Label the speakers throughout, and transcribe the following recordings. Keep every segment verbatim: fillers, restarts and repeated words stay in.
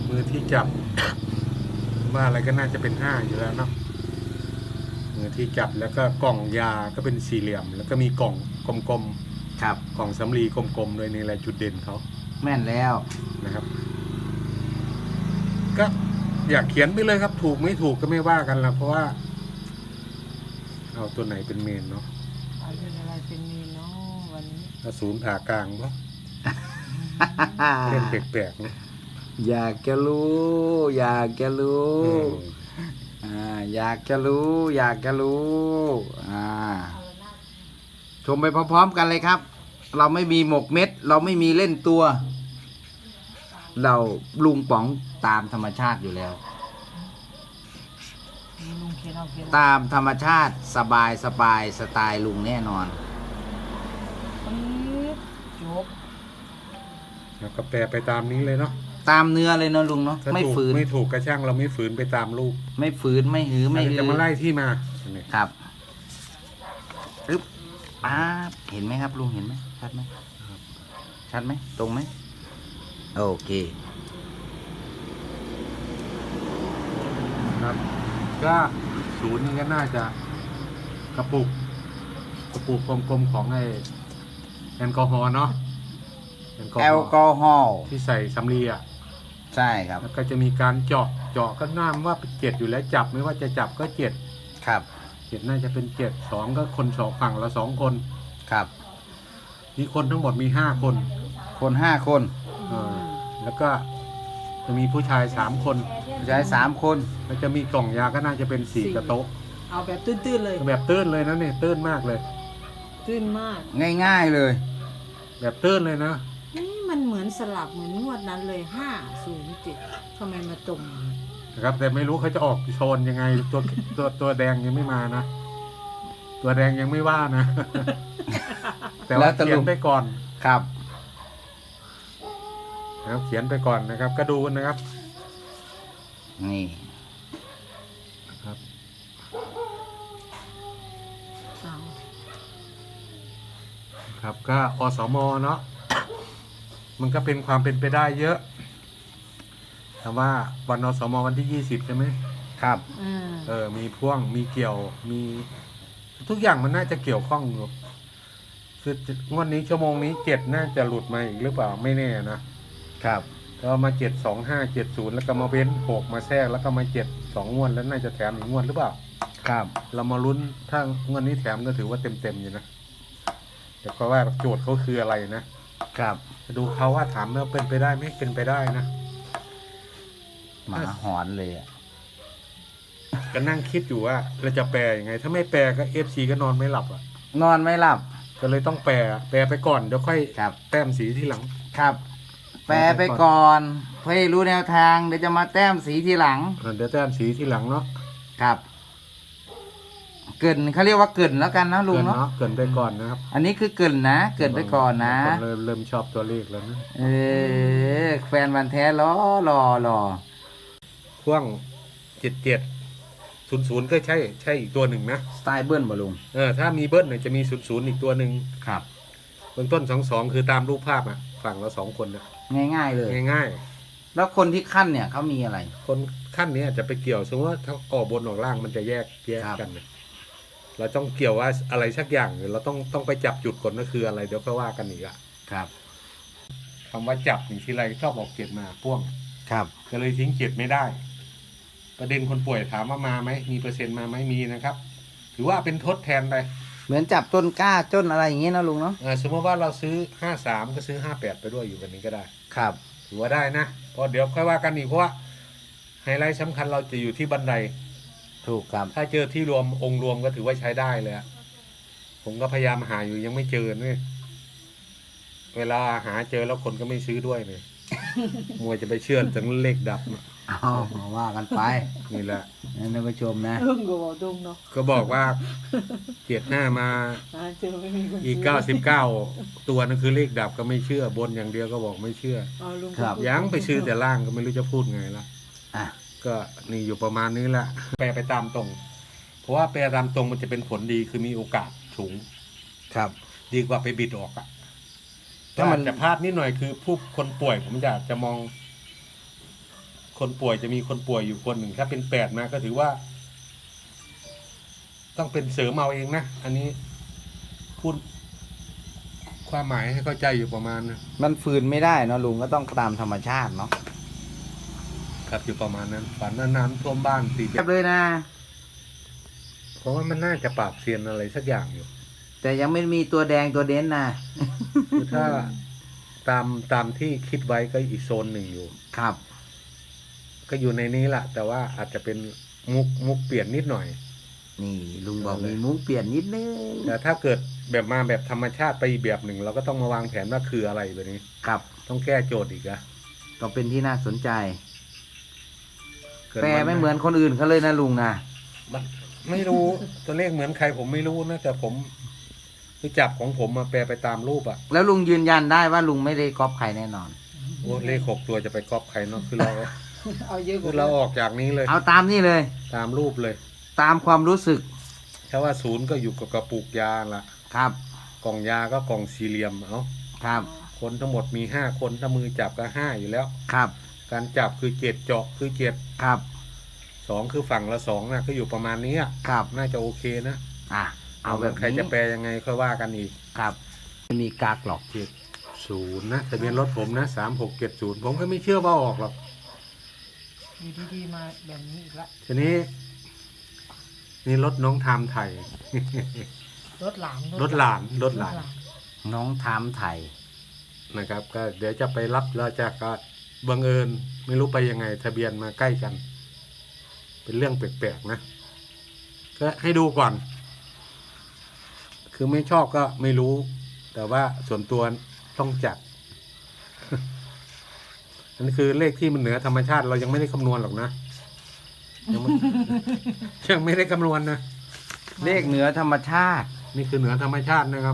Speaker 1: มือที่จับว่าอะไรก็น่าจะเป็นห้าอยู่แล้วเนาะมือที่จับแล้วก็กล่องยาก็เป็นสี่เหลี่ยมแล้วก็มีกล่องกลมๆ
Speaker 2: ครับ
Speaker 1: กล่องสำลีกลมๆเลยนี่แหละจุดเด่นเขา
Speaker 2: แม่นแล้ว
Speaker 1: นะครับก็อยากเขียนไปเลยครับถูกไม่ถูกก็ไม่ว่ากันละเพราะว่าเอาตัวไหนเป็นเมนเนาะ
Speaker 3: เอาเป็นอะไรเป็นเมนเนาะวันนี้
Speaker 1: อสูรผ่ากลางเนาะเล่นแปลกๆเนาะ
Speaker 2: อยากจะรู้ อยากจะรู้อ่าอยากจะรู้ อยากจะรู้อ่าชมไปพร้อมๆกันเลยครับ เราไม่มีหมกเม็ด เราไม่มีเล่นตัว เราลุงป๋องตามธรรมชาติอยู่แล้ว
Speaker 3: ลุงเขียนเอาเขียน
Speaker 2: ตามธรรมชาติสบายสบายสไตล์ลุงแน่นอน
Speaker 3: จบ
Speaker 1: แล้วก็แปลไปตามนี้เลยเนาะ
Speaker 2: ตามเนื้อเลยเนาะลุงเนาะไม่ฝืน
Speaker 1: ไม่ถูกกระช่างเราไม่ฝืนไปตามลูก
Speaker 2: ไม่ฝืนไม่หือไม่
Speaker 1: หือจะมาไล่ที่มา
Speaker 2: ครับปึ๊บป๊าบเห็นไหมครับลุงเห็นไหมชัดไหมชัดไหมตรงไหมโอเค
Speaker 1: ครับก็ศูนย์นี่ก็น่าจะกระปุกกระปุกกลมๆของไอแอลกอฮอล์เนาะ
Speaker 2: แอลกอฮอล์
Speaker 1: ที่ใส่สำลีอ่ะ
Speaker 2: ใช่ครับ
Speaker 1: แล้วก็จะมีการเจาะเจาะก็น่าว่าเป็นเจ็ดอยู่แล้วจับไม่ว่าจะจับก็เจ็ด
Speaker 2: ครับ
Speaker 1: เจ็ดน่าจะเป็นเจ็ดสองก็คนสองฝั่งละสองคน
Speaker 2: ครับ
Speaker 1: มีคนทั้งหมดมีห้าคน
Speaker 2: คนห้าคน
Speaker 1: อ่าแล้วก็จะมีผู้ชายสามคน
Speaker 2: ผู้ชายสามคน
Speaker 1: แล้วจะมีกล่องยาก็น่าจะเป็นสี่กระโต๊ะ
Speaker 3: เอาแบบตื้นๆเลย
Speaker 1: แบบตื้นเลยนะเนี่ยตื้นมากเลย
Speaker 3: ตื้นมาก
Speaker 2: ง่ายๆเลย
Speaker 1: แบบตื้นเลยนะ
Speaker 3: นี่มันเหมือนสลับเหมือนงวดนั้นเลยห้าศูนย์เจ็ดทำไมมาตรง
Speaker 1: นะครับแต่ไม่รู้เขาจะออกโซนยังไงตัวตัวตัวแดงยังไม่มานะตัวแดงยังไม่ว่านะแต่ว่าเขียนไปก่อน
Speaker 2: ครับ
Speaker 1: นะครับเขียนไปก่อนนะครับก็ดูนะครับ
Speaker 2: นี่
Speaker 1: ครับครับก็อสม.เนาะมันก็เป็นความเป็นไปได้เยอะแต่ว่าวันอสม.วันที่ยี่สิบใช่ไหม
Speaker 2: ครับ
Speaker 1: เออมีพ่วงมีเกี่ยวมีทุกอย่างมันน่าจะเกี่ยวข้องอยู่คืองวดนี้ชั่วโมงนี้เจ็ดน่าจะหลุดมาอีกหรือเปล่าไม่แน่นะครับก็มาเจ็ดสองห้าเจ็ดศูนย์แล้วก็มาเว้นหกมาแทรกแล้วก็มาเจ็ดสองงวดแล้วน่าจะแถมอีกงวดหรือเปล่า
Speaker 2: ครับ
Speaker 1: เรามาลุ้นถ้างวดนี้แถมก็ถือว่าเต็มเต็มอยู่นะแต่ก็ว่าโจทย์เขาคืออะไรนะครับดูเขาว่าถามแล้วเป็นไปได้ไหมเป็นไปได้นะ
Speaker 2: หมาหอนเลยอ่ะ
Speaker 1: ก็นั่งคิดอยู่ว่าเราจะแปลยังไงถ้าไม่แปลก็เอฟซีก็นอนไม่หลับอ่ะ
Speaker 2: นอนไม่หลับ
Speaker 1: ก็เลยต้องแปลแปลไปก่อนเดี๋ยวค่อยแต้มสีทีหลัง
Speaker 2: ครับแปลไปก่อนเพื่อรู้แนวทางเดี๋ยวจะมาแต้มสีทีหลัง
Speaker 1: เดี๋ยวแต้มสีทีหลังเนาะ
Speaker 2: ครับเกินเขาเรียกว่าเกินแล้วกันนะลุงเนาะ
Speaker 1: เกินไปก่อนนะครับ
Speaker 2: อันนี้คือเกินนะเกินไปก่อนนะ
Speaker 1: เริ่มเริ่มชอบตัวเลขแล้วนะ
Speaker 2: เออแฟนวันแท้รอรอรอ
Speaker 1: พ่วงเจ็ดเจ็ดศูนย์ศูนย์ก็ใช่ใช่อีกตัวหนึ่งนะ
Speaker 2: สไตล์เบิ้ลบอลุง
Speaker 1: เออถ้ามีเบิ้ลเนี่ยจะมีศูนย์ศูนย์อีกตัวหนึ่ง
Speaker 2: ครับ
Speaker 1: เบื้องต้นสองสองคือตามรูปภาพอ่ะฝั่งเราสองคนนะ
Speaker 2: ง่ายๆเลย
Speaker 1: ง่าย
Speaker 2: ๆแล้วคนที่ขั้นเนี่ยเขามีอะไร
Speaker 1: คนขั้นนี้อาจจะไปเกี่ยวสมมติว่าถ้าออกบนออกล่างมันจะแยกแยกกันนะเราต้องเกี่ยวว่าอะไรสักอย่างเราต้องต้องไปจับจุดก่อนก็คืออะไรเดี๋ยวค่อยว่ากันอีกอ่ะ
Speaker 2: ครับ
Speaker 1: คำว่าจับอย่างที่ไรชอบออกเจ็ดมาพ่วง
Speaker 2: ครับ
Speaker 1: ก็เลยทิ้งเจ็ดไม่ได้ประเด็นคนป่วยถามว่ามาไหมมีเปอร์เซ็นต์มาไหมมีนะครับถือว่าเป็นทดแทนไป
Speaker 2: เหมือนจับต้นกล้าต้นอะไรอย่างเงี้ยนะลุงเนาะ
Speaker 1: สมมติว่าเราซื้อห้าสามก็ซื้อห้าแปดไปด้วยอยู่กันนี้ก็ได้
Speaker 2: ครับ
Speaker 1: ถือว่าได้นะเพราะเดี๋ยวค่อยว่ากันอีกเพราะว่าไฮไลท์สำคัญเราจะอยู่ที่บันได
Speaker 2: ถูกครับ
Speaker 1: ถ้าเจอที่รวมองค์รวมก็ถือว่าใช้ได้เลยผมก็พยายามหาอยู่ยังไม่เจอเนี่ยเวลาหาเจอแล้วคนก็ไม่ซื้อด้วยเลยมัวจะไปเชื่อถึงเลขดับ
Speaker 2: อ๋อว่ากันไป
Speaker 1: นี่แหละ
Speaker 2: ท่านผู้ชมนะ
Speaker 3: เรื่องก็บอกตรงเนาะ
Speaker 1: ก็บอกว่าเจ็ดห้ามาอีกเก้าสิบเก้าตัวนั่นคือเลขดับก็ไม่เชื่อบนอย่างเดียวก็บอกไม่เชื่อยังไปซื้อแต่ล่างก็ไม่รู้จะพูดไงละ
Speaker 2: อ่ะ
Speaker 1: ก็นี่อยู่ประมาณนี้แหละแปลไปตามตรงเพราะว่าแปลตามตรงมันจะเป็นผลดีคือมีโอกาสสูง
Speaker 2: ครับ
Speaker 1: ดีกว่าไปบิดออกอ่ะถ้ามันจะพลาดนิดหน่อยคือผู้คนป่วยผมอยากจะมองคนป่วยจะมีคนป่วยอยู่คนหนึ่งถ้าเป็นแปดมาก็ถือว่า ต้องเป็นเสริมเอาเองนะอันนี้พูดความหมายให้เข้าใจอยู่ประมาณนะ
Speaker 2: มันฝืนไม่ได้เนาะลุงก็ต้องตามธรรมชาติเนาะ
Speaker 1: ครับอยู่ประมาณนั้นฝันว่าน้ำท่วมบ้านตี
Speaker 2: เรียบเลยนะ
Speaker 1: เพราะว่ามันน่าจะปราบเซียนอะไรสักอย่างอยู่
Speaker 2: แต่ยังไม่มีตัวแดงตัวเด่นนะ
Speaker 1: คือถ้าตามตามที่คิดไว้ก็อีกโซนหนึ่งอยู่
Speaker 2: ครับ
Speaker 1: ก็อยู่ในนี้แหละแต่ว่าอาจจะเป็นมุกมุกเปลี่ยนนิดหน่อย
Speaker 2: นี่ลุงบอกมีมุ้งเปลี่ยนนิดนึง
Speaker 1: แต่ถ้าเกิดแบบมาแบบธรรมชาติไปอีกแบบหนึ่งเราก็ต้องมาวางแผนว่าคืออะไรแบบนี้
Speaker 2: ครับ
Speaker 1: ต้องแก้โจทย์อีกอะ
Speaker 2: ก็เป็นที่น่าสนใจ
Speaker 1: กิด
Speaker 2: แปล
Speaker 1: วั
Speaker 2: ไม่เหมือนคนอื่นเขาเลยนะลุงนะ
Speaker 1: มันไม่รู้ตัวเลขเหมือนใครผมไม่รู้นะแต่ผมที่จับของผมมาแปลไปตามรูปอะ
Speaker 2: แล้วลุงยืนยันได้ว่าลุงไม่ได้ก๊อปใครแน่นอน
Speaker 1: โอ้เลขหกตัวจะไปก๊อปใครเนาะคือเรา
Speaker 3: เอาเยอะก
Speaker 1: คือ
Speaker 3: ว่า
Speaker 1: เราออกจากนี้เลย
Speaker 2: เอาตามนี่เลย
Speaker 1: ตามรูปเลย
Speaker 2: ตามความรู้สึก
Speaker 1: ถ้าว่าศูนย์ก็อยู่กับกระปุกยาละ
Speaker 2: ครับ
Speaker 1: กล่องยาก็กล่องสี่เหลี่ยมเอา
Speaker 2: ครับ
Speaker 1: คนทั้งหมดมีห้าคนถ้ามือจับก็ห้าอยู่แล้ว
Speaker 2: ครับ
Speaker 1: การจับคือเจ็ดเจาะคือเจ็ด
Speaker 2: ครับ
Speaker 1: สองคือฝั่งละสองนะก็อยู่ประมาณนี้อะ
Speaker 2: ครับ
Speaker 1: น่าจะโอเคนะ
Speaker 2: อ่ะเอาแบบ
Speaker 1: ใคร
Speaker 2: นี้
Speaker 1: จะแปลยังไงค่อยว่ากันอีก
Speaker 2: ครับไม่มีกากหรอก
Speaker 1: เจ็ดศูนย์นะทะเบียนรถผมนะสามหกเจ็ดศูนย์ผมก็ไม่เชื่อว่าออกหรอก
Speaker 3: อยู่ดีๆมาแบบนี้อีกละ
Speaker 1: ทีนี้ นี่รถน้องไทม์ไทย
Speaker 3: รถหลาน
Speaker 1: รถหลานรถหลาน
Speaker 2: น้องถามไทย
Speaker 1: นะครับ ก็เดี๋ยวจะไปรับแล้วจะก็บังเอิญไม่รู้ไปยังไง ทะเบียนมาใกล้กัน เป็นเรื่องแปลกๆนะก็ให้ดูก่อน คือไม่ชอบก็ไม่รู้ แต่ว่าส่วนตัวต้องจัด อันนี้คือเลขที่มันเหนือธรรมชาติเรายังไม่ได้คำนวณหรอกนะยังไม่ ยังไม่ได้คำนวณนะ
Speaker 2: เลขเหนือธรรมชาติ
Speaker 1: นี่คือเหนือธรรมชาตินะครับ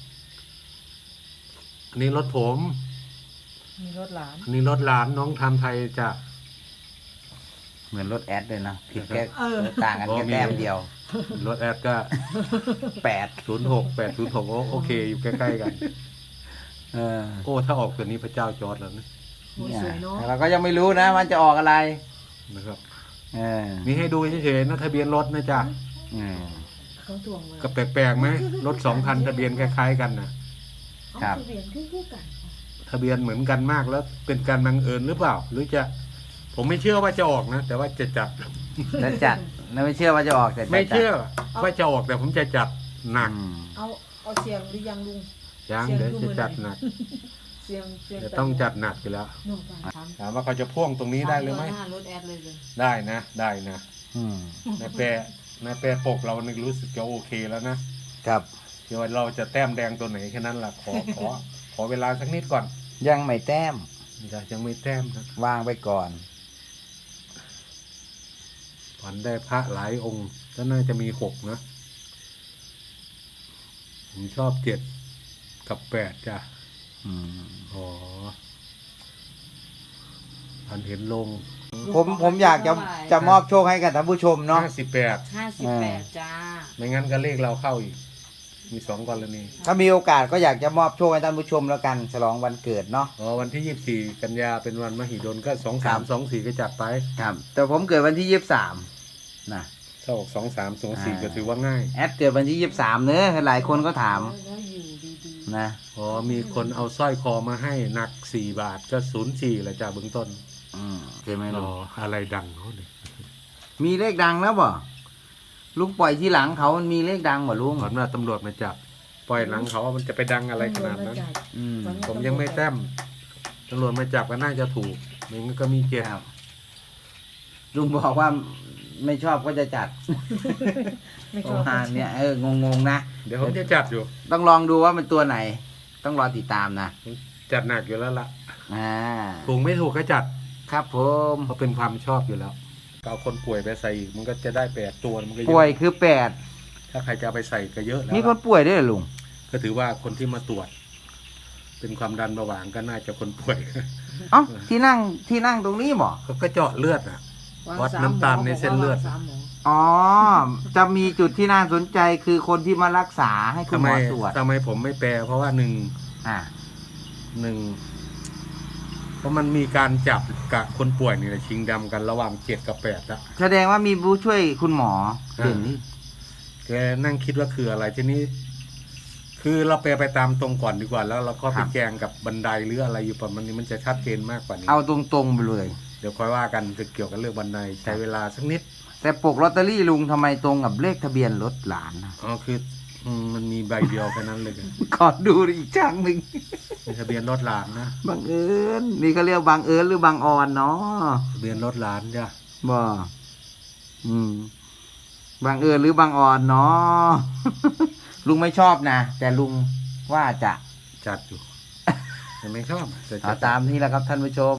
Speaker 1: อันนี้รถผม
Speaker 3: มีรถหลาน
Speaker 1: อันนี้รถหลานน้องทำไทยจะ
Speaker 2: เหมือนรถแอดเลยนะผิดแค่
Speaker 3: เออ
Speaker 2: ต่างกันแค่แต้มเดียว
Speaker 1: รถแอดก็
Speaker 2: แปด
Speaker 1: ศูนย์หกแปดศูนย์หกโอเค อยู่ใกล้ๆกัน
Speaker 2: เออ
Speaker 1: โอ้ถ้าออกตัวนี้พระเจ้าจอร์ดแล้วนะ
Speaker 3: โอ้ย
Speaker 2: เนี่ย
Speaker 3: สวยเนาะ
Speaker 2: แต่เราก็ยังไม่รู้นะมันจะออกอะไร
Speaker 1: นะครับ
Speaker 2: เออ
Speaker 1: มีให้ดูเฉยๆนะทะเบียนรถนะจ๊ะ
Speaker 2: อืม
Speaker 3: เขาทวงเลย
Speaker 1: ก็แปลกๆไหมรถสองคันทะเบียนคล้ายๆกันนะ
Speaker 2: ครับ
Speaker 3: เอาทะเบียนคู่ๆกัน
Speaker 1: ทะเบียนเหมือนกันมากแล้วเป็นการบังเอิญหรือเปล่า หรือจะ ผมไม่เชื่อว่าจะออกนะแต่ว่าจะจัด
Speaker 2: แล้วจัดแล้วไม่เชื่อว่าจะออกแต่จะ
Speaker 1: ไม่เชื่อ
Speaker 2: จัด
Speaker 1: ว่าจะออกแต่ผมจะจัดหนัก
Speaker 2: อืม
Speaker 3: เอาเอาเสียงหรือยังลุง
Speaker 1: ยัง
Speaker 3: เสียง
Speaker 1: เดี๋ยว
Speaker 3: ดู
Speaker 1: จะ
Speaker 3: มือ
Speaker 1: จัด
Speaker 3: ห
Speaker 1: ห
Speaker 3: น่
Speaker 1: นั
Speaker 3: อย
Speaker 1: ก
Speaker 3: เสียงเสียง
Speaker 1: จะต้องจัดหนักอยู่แล้ว
Speaker 3: หนุ่มกันถาม
Speaker 1: ถามว่าเขาจะพ่วงตรงนี้ได้หรือไม่
Speaker 3: ถามตัวหน้ารถแอดเลยเลย
Speaker 1: ได้นะ ได้นะ
Speaker 2: อืม
Speaker 1: ในแปรในแปรปกเรานึกรู้สึกจะโอเคแล้วนะครับ เดี๋ยวเราจะแต้มแดงตัวไหนแค่นั้นล่ะขอขอขอเวลาสักนิดก่อน
Speaker 2: ยังไม่แต้ม
Speaker 1: ยังยังไม่แต้มนะ
Speaker 2: วางไปก่อน
Speaker 1: ฝันได้พระหลายองค์ก็น่าจะมีหกนะ ผมชอบเจ็ดกับแปดจ้ะ
Speaker 2: อืม
Speaker 1: อ๋อฝันเห็นลง
Speaker 2: ผมผมอยากจะจะมอบโชคให้กับท่านผู้ชมเนาะ
Speaker 1: ห้าสิบแปด
Speaker 3: ห้าสิบแปดจ้า
Speaker 1: ไม่งั้นก็เลขเราเข้าอีก มีสองกรณี
Speaker 2: ถ้ามีโอกาสก็อยากจะมอบโชคให้ท่านผู้ชมแล้วกันฉลองวันเกิดเนาะ
Speaker 1: อ๋อวันที่ยี่สิบสี่กันยาเป็นวันมหิดลก็สอง
Speaker 2: ครั
Speaker 1: สาม
Speaker 2: บ
Speaker 1: สองสี่ก็จัดไป
Speaker 2: ครับ แต่ผมเกิดวันที่ยี่สิบสามนะ
Speaker 1: ถ้าออกสองสามสองสี่
Speaker 2: อ่า
Speaker 1: ก็ถือว่าง่าย
Speaker 2: แอดเกิดวันที่ยี่สิบสามเนอะหลายคนก็ถาม
Speaker 3: แล้วอยู่ดี
Speaker 2: นะ
Speaker 1: อ๋อมีคนเอาสร้อยคอมาให้หนักสี่บาทก็ศูนย์สี่แหละจ้าเบื้องต้น
Speaker 2: อืมใช่ไหม
Speaker 1: อ๋
Speaker 2: ลุ
Speaker 1: อง อะไรดังเขาเนี่ย
Speaker 2: มีเลขดังแล้วบ่ลุงปล่อยที่หลังเขามันมีเลขดังบ่ลุง
Speaker 1: ก่อนว่าตำรวจมาจับปล่อยหลังเขามันจะไปดัง
Speaker 3: ๆ
Speaker 1: อะไรขนาดนั้น
Speaker 2: อืม
Speaker 1: ผมยังไม่แต้มตำรวจมาจับก็น่าจะถูกไมันก็มีเจ็ด
Speaker 2: ครับลุงบอกว่าไม่ชอบก็จะจัด
Speaker 3: ไม่ช
Speaker 2: ป
Speaker 3: อ
Speaker 2: ระ
Speaker 3: บ
Speaker 2: มาณเนี้ยเอองงๆนะ
Speaker 1: เดี๋ยวผมจะจัดอยู่
Speaker 2: ต้องลองดูว่ามันตัวไหน ต้องรอติดตามนะ
Speaker 1: ผมจัดหนักอยู่แล้วล่ะ
Speaker 2: อ่า
Speaker 1: ถูกไม่ถูกก็จัด
Speaker 2: ครับผม
Speaker 1: เพราะเป็นความชอบอยู่แล้วเอาคนป่วยไปใส่อีกมันก็จะได้แปดตัวมันก็เยอะ
Speaker 2: ป่วยคือแปด
Speaker 1: ถ้าใครจะเอาไปใส่ก็เยอะแล้ว
Speaker 2: มีคนป่วยด้วยเหรอลุง
Speaker 1: ก็ถือว่าคนที่มาตรวจ เป็นความดันเบาหวานก็น่าจะคนป่วย
Speaker 2: เอ้าที่นั่งที่นั่งตรงนี้บ่
Speaker 1: เขาก็เจาะเลือดอ่ะ
Speaker 3: วาง
Speaker 1: วัด
Speaker 3: สาม
Speaker 1: น้ำตาลในเส้นเลือด
Speaker 3: วางสามหมอ
Speaker 2: อ๋อ จะมีจุดที่น่าสนใจคือคนที่มารักษาให้คุณ
Speaker 1: ทำ
Speaker 2: ห
Speaker 1: ไม
Speaker 2: มอตรวจ
Speaker 1: ทำไมผมไม่แปลเพราะว่าหนึ่ง
Speaker 2: อ่า
Speaker 1: หนึ่งเพราะมันมีการจับกับคนป่วยนี่แหละชิงดำกันระหว่างเจ็ดกับแปดอะ
Speaker 2: แสดงว่ามีผู้ช่วยคุณหมอเด่นนี่
Speaker 1: แกนั่งคิดว่าคืออะไรทีนี้ คือเราไปไปตามตรงก่อนดีกว่า แล้วเราก็ไปแจงกับบันไดหรืออะไรอยู่ประมาณนี้มันจะชัดเจนมากกว่านี้
Speaker 2: เอาตรงๆไปเลย
Speaker 1: เดี๋ยวค่อยว่ากันจะเกี่ยวกับเรื่องบันไดใช้เวลาสักนิด
Speaker 2: แต่ปกลอตเตอรี่ลุงทำไมตรงกับเลขทะเบียนรถหลานนะ
Speaker 1: อ๋อคืออืมมันมีใบเดียวแค่นั้นเลย
Speaker 2: ขอดูอีกครั้งหนึ่ง
Speaker 1: มีทะเบียนรถหลานนะ
Speaker 2: บังเอิญนี่เขาเรียกบังเอิญหรือบังออนเนาะ
Speaker 1: ทะเบียนรถหลานจ้ะ
Speaker 2: บ่อืมบังเอิญหรือบังออนเนาะ ลุงไม่ชอบนะ แต่ลุงว่าจะ
Speaker 1: จัดอยู่ แต่ไม่ชอบแต่
Speaker 2: เอา
Speaker 1: จะ
Speaker 2: ตามนี้แหละครับท่านผู้ชม